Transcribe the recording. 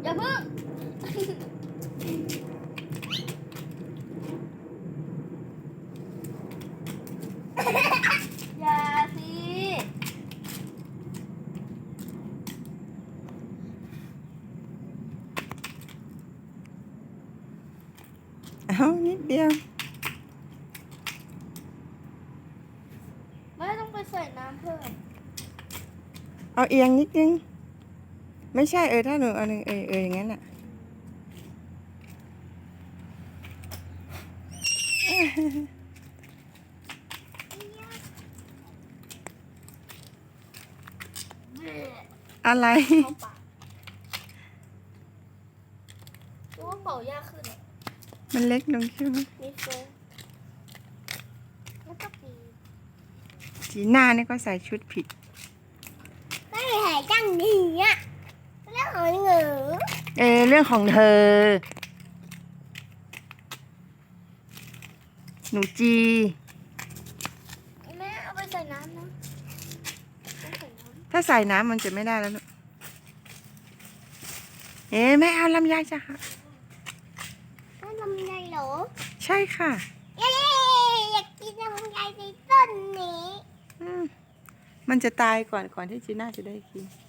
อย่าเพิ่งอย่าสิเอานิดเดียวไม่ต้องไปใส่น้ำเพิ่มเอาเอียงนิดนึงไม่ใช่ถ้าหนูเอาหนึ่งอย่างนั้นอ่ะอะไรเข้าปากรู้ว่าเป่ายากขึ้นอ่ะมันเล็กลงใช่ไหมมีโฟมแล้วก็ปีจีน่าเนี่ยก็ใส่ชุดผิดไม่หายจังดีอ่ะแล้วหอยเหงือเรื่องของเธอ หนูจีแม่เอาไปใส่น้ำนะต้องใส่น้ถ้าใส่น้ำมันจะไม่ได้แล้วลูกแม่เอาลำไยจ้ะค่ะำก็ลำไยเหรอใช่ค่ะเย้อยากกินลำไยในต้นนี้มันจะตายก่อนที่จีน่าจะได้กิน